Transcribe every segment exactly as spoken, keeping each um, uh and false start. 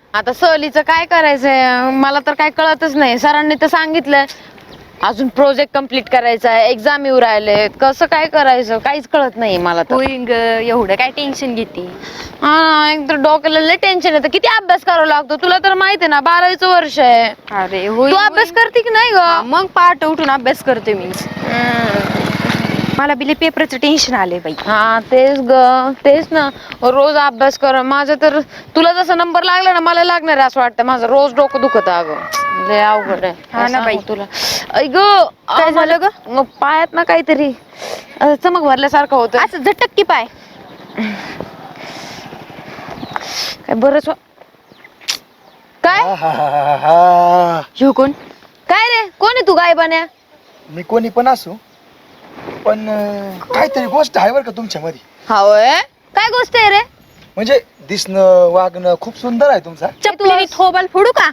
आता सहलीचं काय करायचंय मला तर काय कळतच नाही. सरांनी तर सांगितलंय अजून प्रोजेक्ट कम्प्लीट करायचा आहे, एक्झाम येऊ राहिले, कसं काय करायचं काहीच कळत नाही मला तर. होईन ग, एवढं काय टेन्शन घेते. हा एक तर डोक्याला लय टेन्शन येतं. किती अभ्यास करावा लागतो तुला तर माहिती आहे ना, बारावीचं वर्ष आहे. अरे होय, तू अभ्यास करते की नाही हा, ग? मग पहाट उठून अभ्यास करते मी. मला बिले पेपरचं टेन्शन आले बाई. हा तेच ग, तेच ना, रोज अभ्यास कर. माझं तर तुला जसा नंबर लागला ना मला लागणार आहे असं वाटतं. माझं रोज डोकं दुखत अगं, लय अवघड आहे. हा ना बाई. तुला ऐ ग काय झालं ग? मग पायात ना काहीतरी असं चमक भरल्यासारखं होतं. असं झटक की पाय. काय बरंच वा- काय आहाहाहा. ह्यो कोण? काय रे, कोण आहे तू गायबान्या? मी कोणी पण असू पण अं, काहीतरी गोष्ट आहे बरं का तुमच्यामध्ये. हा होय, काय गोष्ट आहे रे? म्हणजे दिसणं वागणं खूप सुंदर आहे तुमचा. चपलीने थोबाल फोडू का?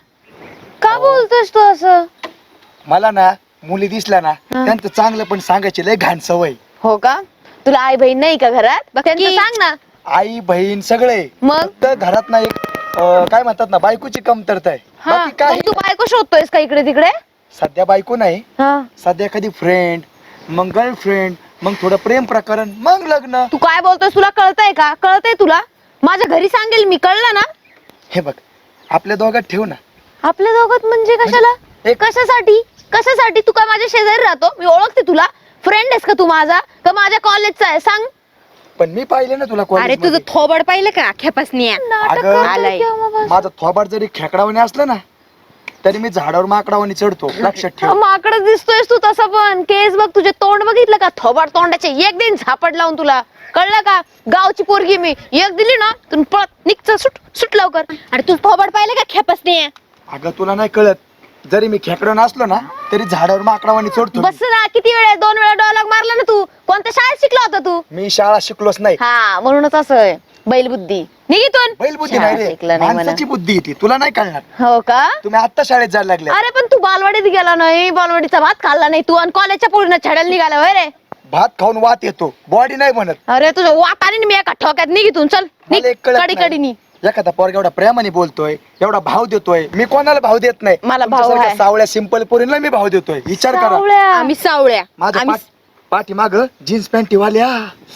का बोलतोस तू असं? मला ना मुली दिसल्या ना त्यांचं चांगलं पण सांगायची लय घाण सवय. हो का? तुला आई बहीण नाही का घरात? बघ त्यांचं की. सांग ना. आई बहीण सगळे, मग? फक्त घरात ना एक अं, काय म्हणतात ना बायकोची कमतरता आहे. हा, बाकी काय मग तू बायको शोधतोयस का इकडे तिकडे? सध्या बायको नाही, हा, सध्या कधी फ्रेंड, मग गर्लफ्रेंड, मग थोडं प्रेम प्रकरण, मग लग्न. तू काय बोलतोयस? तुला कळतंय का? कळतंय तुला? माझ्या घरी सांगेल मी, कळलं ना? हे बघ आपल्या दोघात ठेव ना. आपल्या दोघात म्हणजे कशाला? एक- कशासाठी? कशासाठी? तू काय माझ्या शेजारी राहतो? मी ओळखते तुला. फ्रेंड आहेस का तू माझा? का माझ्या कॉलेजचा आहे? सांग. पण मी पाहिले ना तुला अरे कॉलेजमध्ये. तुझं थोबड पाहिलं का खेपासनी? नाटक अगं, करतोय आलाय. केव्हापासून? माझं थोबाड जरी खेकडावाने असलं ना तरी मी झाडावर माकडावाने चढतो, लक्षात ठेव. माकडच दिसतोयस तू तसं पण. केस बघ, तुझे तोंड बघितलं का? थोबाड तोंडाचे एक दिन झापड लावून तुला. कळलं का? गावची पोरगी मी, एक दिली ना तू पळत निघ, सुट सुट लवकर. अरे तुझं थोबड पाहिलं का खेपासनी? अगं तुला नाही कळत, जरी मी खेकडा नसलो ना तरी झाडावर माकडावाने चढतो मी. बस ना, किती वेळा दोन वेळा डॉलॉग मारला ना तू. कोणत्या शाळेत शिकला होता तू? मी शाळा शिकलोच नाही. हा, म्हणूनच असं आहे. बैलबुद्धी निघितून. बैलबुद्धी नाही रे, शिकला नाही म्हणा. माणसाची बुद्धी ती तुला नाही कळणार. हो का? तुम्ही आता शाळेत जायला लागले. अरे पण तू बालवाडीत गेला नाही, बालवाडीचा भात खाल्ला नाही तू, आणि कॉलेजच्या पूर्ण छड्याला निघाला होय रे? भात खाऊन वात येतो, बॉडी नाही बनत. अरे तुझं वाटाने मी एका ठोक्यात निघितून चल. मला एक कळत कडी कडी नाही. एखादा पोरगा एवढा प्रेमाने बोलतोय, एवढा भाव देतोय, मी कोणाला भाव देत नाही. मला भाव तुमच्यासारख्या आहे. सावळ्या सिंपल पोरींना मी भाव देतोय, विचार करा. आम्ही सावळ्या. माझ्या आम्ही पाठ पाठी माग जीन्स पॅन्टी वाल्या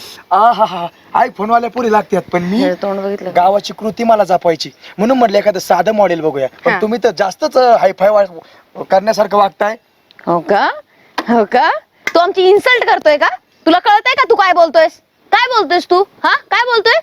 आ हा हा आयफोन वाल्या पुरी लागतात, पण मी तोंड बघितलं. गावाची कृती मला जपायची म्हणून म्हटलं एखादं साधं मॉडेल बघूया. हा. पण तुम्ही तर जास्तच हायफाय करण्यासारखं वागताय. हो का? हो का? तू आमची इन्सल्ट करतोय का? तुला कळतंय का तू काय बोलतोयस? काय बोलतोयस तू? हा, काय बोलतोय?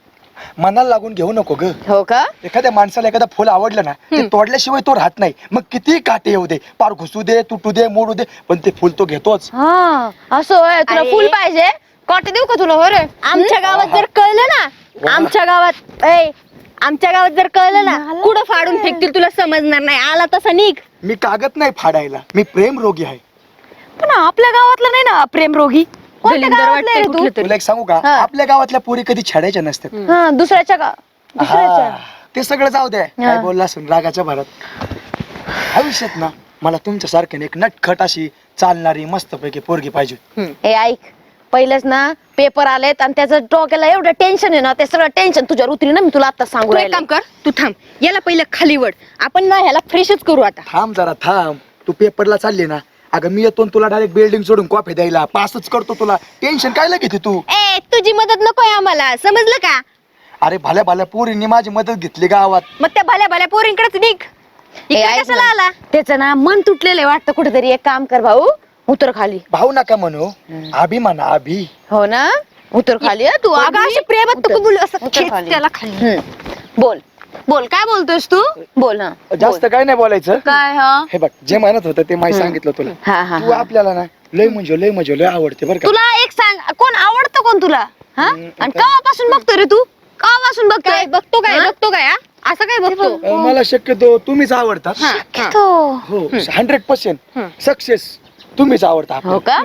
मनाला लागून घेऊ नको ग. हो का? एखाद्या माणसाला एखादा फुल आवडलं ना ते तोडल्याशिवाय तो राहत नाही. मग किती काटे येऊ दे, पार घुसू दे, तुटू दे, मोडू दे, पण ते फुल तो घेतोच. हा, असं होय. तुला अरे. फुल पाहिजे? काटे देऊ का तुला? हो रे. आमच्या गावात जर कळलं ना, आमच्या गावात ए आमच्या गावात जर कळलं ना, कुठं फाडून फेकतील तुला समजणार नाही. आला तसा निघ. मी कागद नाही फाडायला, मी प्रेम रोगी आहे. पण आपल्या गावातलं नाही ना प्रेम रोगी. कोणत्या दलिंदर गावातलं आहे वाटतंय रे तू? कुठलं तरी. तुला एक सांगू का, हा. आपल्या गावातल्या पोरी कधी छेडायच्या नसतात. हा, दुसऱ्याच्या का? दुसऱ्याच्या. हा, ते सगळं जाऊ द्या, काय बोलला असून रागाच्या भरात. आयुष्यात ना मला तुमच्या सारख्याने एक नटखट अशी चालणारी मस्तपैकी पोरगी पाहिजे. ए ऐक, पहिलेच ना पेपर आलेत आणि त्याचं डोक्याला एवढं टेन्शन आहे ना, ते सगळं टेन्शन तुझ्यावर उतरी ना. मी तुला आता सांगू तू एक राहिले. काम कर, तू थांब. याला पहिलं खाली वड. आपण ना ह्याला फ्रेशच करू आता. थांब जरा थांब, तू पेपरला चालली ना, अगं मी येतो न तुला डायरेक्ट बिल्डिंग सोडून कॉफी द्यायला, पासच करतो तुला. टेन्शन काय घेते तू? ए तुझी मदत नकोय आम्हाला, समजलं का? अरे भल्या भल्या पोरींनी माझी मदत घेतली गावात. मग त्या भल्या भल्या पोरींकडेच निघ. ए, इकडे ऐक कशाला ना. आला? त्याचं ना मन तुटलेलं आहे वाटतं कुठेतरी. एक काम कर भाऊ, उतर खाली. भाऊ नका म्हणू, आभी म्हणा, आभी. हो ना, उतर खाली. हं, तू अगं आभी. अशी प्रेमात उतर. नको बोलू, असं उतर खेच खाली. त्याला खाली. हम्म. बोल बोल, काय बोलतोयस तू? बोल. हा जास्त बोल. काय नाही बोलायचं. काय? हा हे बघ, जे म्हणत होतं ते माहिती सांगितलं तुला. हा हा तू हा. आपल्याला ना लय म्हणजे लय म्हणजे लय आवडते बरं का. तुला एक सांग, कोण आवडतं कोण तुला? हा, आणि केव्हापासून बघतोय रे तू? केव्हापासून बघतोय? काय बघतो काय हा? बघतो काय हा? असं काय बघतो? अं, मला शक्यतो तुम्हीच आवडतात. हा, हा. तो. हो हंड्रेड पर्सेंट हम्म. सक्सेस तुम्हीच आवडता हो का?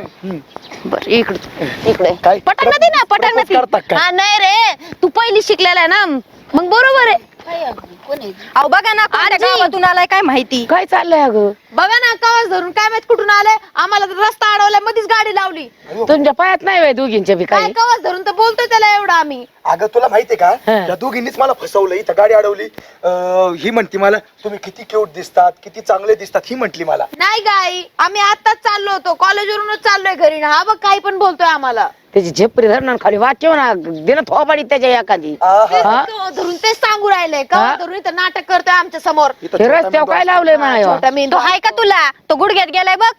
बर, इकडे इकडे काय? पटांगण दे ना, पटांगण प्रपोज करतात दे. काय? हा, नाही रे, तू पहिली शिकलेला आहे ना, मग बरोबर आहे. अहो बघा ना, कोणत्या आजी. गावातून आलाय काय माहिती. काय चाललंय अगं? बघा ना कवाच धरून काय माहित कुठून आले आम्हाला तर रस्ता अडवल्या मध्येच गाडी लावली. तुमच्या पायात नाही व्हय दोघींच्या बी काय काही कवाच धरून तर बोलतोय त्याला एवढं आम्ही. अगं तुला माहितीये का हा. त्या दोघींनीच मला फसवलं. इथं गाडी अडवली. अं, ही म्हणती मला तुम्ही किती क्यूट दिसतात, किती चांगले दिसतात, ही म्हंटली मला. नाही गाई आम्ही आताच चाललो होतो कॉलेजवरूनच चाललोय घरी ना. हा बघ काही पण बोलतोय आम्हाला. त्याची झेपरी धरणार खाली वाचव ना दिन थोबाडी त्याच्या एखादी आहा. हा? तो धरून तेच सांगू राहिलंय का हा? धरून इथं नाटक करतोय आमच्या समोर. इथं हे छोटा रस्त्यावर मेंदू काय असतो. लावलंय म्हणा छोटा मेंदू तो आहे का तुला? तो गुडघ्यात गेलाय बघ.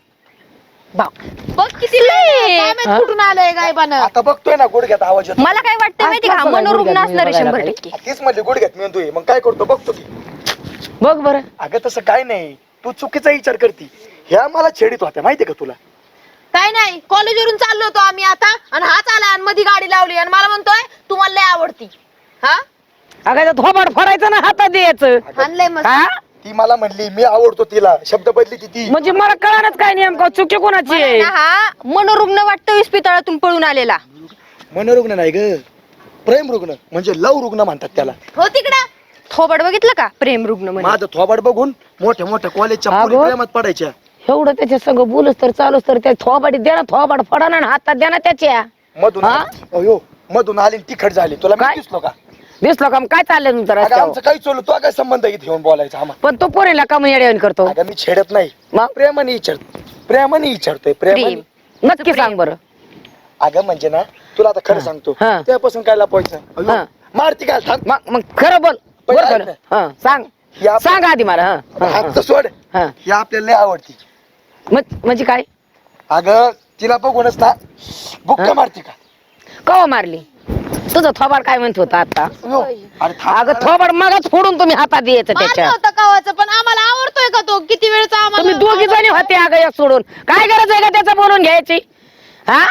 बघ किती लय, काय माहित हा? कुठून आलंय गायबानं. आता बघतोय ना गुडघ्यात आवाज येतो. मला काय वाटतं माहिती का, आज कसं मनोरुग्ण गुडघ्यात असणार आहे बघायला शंभर काही? टक्के. तीच म्हणली गुडघ्यात मेंदू आहे. मग काय करतो बघतो की. बघ बरं अगं तसं काय नाही, तू चुकीचा विचार करती. ह्या मला छेडीत होत्या माहितीये का तुला. काय नाही कॉलेजवरून चाललो होतो आम्ही आता आणि हाच आला आणि मध्ये गाडी लावली आणि मला म्हणतोय तुम्हाला लय आवडती. हा अगं ते थोबाड फोडायचं ना हातात द्यायचं आणलंय मस्त. हा ती मला म्हणली मी आवडतो तिला, शब्द बदली ती ती म्हणजे मला कळणारच काय नेमकं चुकी कोणाची मला आहे ना हा मनोरुग्ण वाटतं इस्पितळातून पळून आलेला. मनोरुग्ण नाही ग, प्रेम रुग्ण म्हणजे लव रुग्ण म्हणतात त्याला. हो तिकडं थोबड बघितलं का, प्रेम रुग्ण म्हणजे. माझं थोबाड बघून मोठ्या मोठ्या कॉलेजच्या अगं. पोरी प्रेमात पडायच्या. एवढं त्याच्या संग बोलूस तर चालूस तर त्या थोबाडी दे ना थोबाड फोडा ना हातात द्या ना त्याच्या मधून हा? आली- अयो मधून आली आणि तिखट झाली. तुला मी काय? दिसलो का? दिसलो का मग काय चाललंय तुमचं अगं रस्त्यावर आमचं काही चोलू, तू काय संबंध इथे घेऊन बोलायचा आम्हाला. पण तो पोरीला का मग येड्यावानी करतो अगं मी छेडत नाही, मग प्रेमाने विचारतो. प्रेमाने विचारतोय प्रेमाने. प्रेम. नक्की सांग बरं अगं म्हणजे ना तुला आता खरं सांगतो, हा. त्यापासून काय लपवायचं. अयो, हा. मारती काय थांब. मग मग खरं बोल पहिले बरं ऐक खरं. हा सांग या सांग आधी मला हा, हा, हा. हात सोड. हा. ही आपल्याला लय आवडती. मग- म्हणजे काय अगं तिला बघूनच ना बुक्का हा? मारती का. कवा मारली तुझं थोबाड काय म्हणत होता आता अयो, अरे थांब अगं जरा. थोबाड मगच फोडून तुम्ही हातात द्यायचं मारलं त्याच्या होतं कवाचं पण आम्हाला आवडतोय का तो किती वेळचा तुम्ही आम्हाला. दोघी जणी होते अगं एक सोडून काय गरज आहे का त्याचं बोलून घ्यायची हा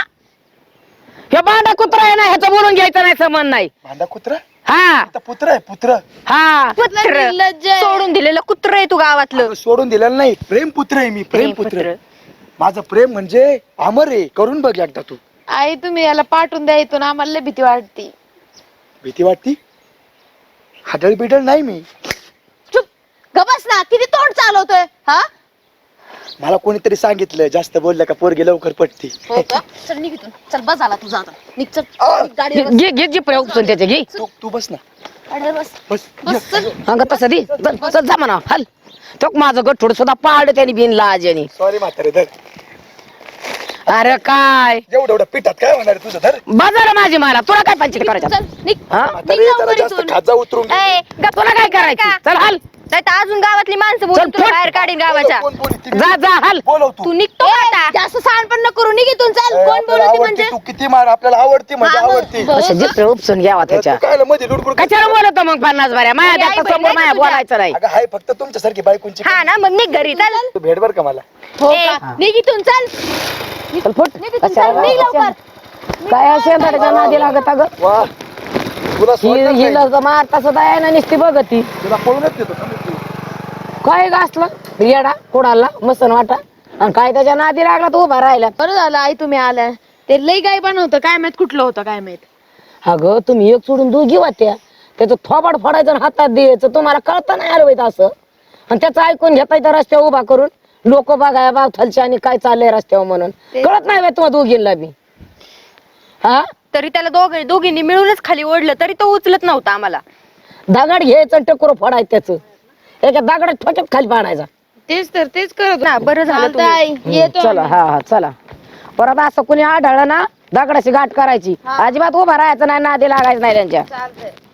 हे बांडा कुत्रा आहे ना ह्याचं बोलून घ्यायचं नाही संबंध नाही भांडा कुत्रा, हा आता पुत्र आहे पुत्र. हा कुठलं निर्लज्ज आहे. सोडून दिलेलं कुत्र आहे तू गावातलं. अगं, सोडून दिलेलं नाही, प्रेम पुत्र आहे मी, प्रेम पुत्र. माझं प्रेम म्हणजे अमर आहे. करून बघ एकदा तू. आई तुम्ही याला पाठवून द्या इथून आम्हाला लय भीती वाटती. भीती वाटती? हाडळ बिडळ नाही मी. चुप गबस ना किती तोंड चालवतोय. हा मला कोणीतरी सांगितलं जास्त बोललं का पोरगी लवकर पटती. हो का चल निघ इथून चल बस झाला तुझा आता निघ चल आ! निघ, गाडीवर बस. घे घे जी उपसून त्याचे घे तू तू बस ना, गाडीवर बस बस. बस चल. अंग तसं दे चल चल जा म्हणा हल तो माझं गठोड सुद्धा पाडलं त्याने बिन लाजनी सॉरी म्हातारे धर. अरे काय एवढं एवढं पिठात काय होणार आहे तुझं धर. बाजार माझी मला तुला काय पंचायत करायचं चल निघ हा म्हातारे लवकर जरा जास्त इथून. खाजा उतरून घे. ए, गप्प तुला काय करायचं चल हल नाही तर अजून गावातली माणसं चल, बोलून तुला फट. बाहेर काढीन गावाच्या. कोण बोलती ती? जा जा हल बोलव तू. तू निघतो ए, का आता. जास्त सांडपण न करू निघ इथून चल ए, कोण आपल्याला बोलवते आवडती, म्हणजे तू किती मार आपल्याला आवडती म्हणजे हा, मग. आवडती. बस. असे जिथे उपसून घ्यावा तू त्याच्या काय मध्ये लुडबुड कशाला बोलतो मग पन्नास बऱ्या माया आई आता बहिणी समोर आहे माया का तुझ्या? बोलायचं नाही अगं हाय फक्त तुमच्यासारखी बायकोंची. हा ना मग निघ घरी चल. तू भेट बर का मला. हो ए, का निघ इथून चल चल फुट निघ इथून चल कशाला निघ लवकर काय असेल त्याच्या नादी लागत अगं वा तुला ही सोडणार नाही. हिला मारता सुद्धा आहे ना नुसती बघती तुला पळूनच देतो समज तू. काय गासलं येडा कोणाला मसन वाटा आणि काय त्याच्या नादी लागला तो उभा राहिला बरं झालं आई तुम्ही आल्या ते लई गाय बनवतं काय माहित कुठलं होतं काय माहित अगं तुम्ही एक सोडून दोघी वाट्या त्याचं थोबाड फोडायचं आणि हातात द्यायचं तुम्हाला कळतं नाही आलं बाई असं आणि त्याचं ऐकून घेता येतं रस्त्यावर उभा करून लोक बघाय बाब थलच्या आणि काय चाललंय रस्त्यावर म्हणून ते- कळत नाही बाई तुम्हाला दोघींना बी हा तरी त्याला दोघ दोघींनी मिळूनच खाली ओढलं तरी तो उचलत नव्हता आम्हाला. दगड घ्यायचं आणि टकोर फोडायचं त्याचं एका दगडात ठोक्यात खाली पाडायचा तेच तर तेच करत ना, बरं झालं चालतंय तुम्ही. आई हम्म, येतो चला हा हा चला परत असं कुणी आढळलं ना दगडाची गाठ करायची हा. अजिबात उभा राहायचं नाही नादी लागायचं नाही त्यांच्या चालतंय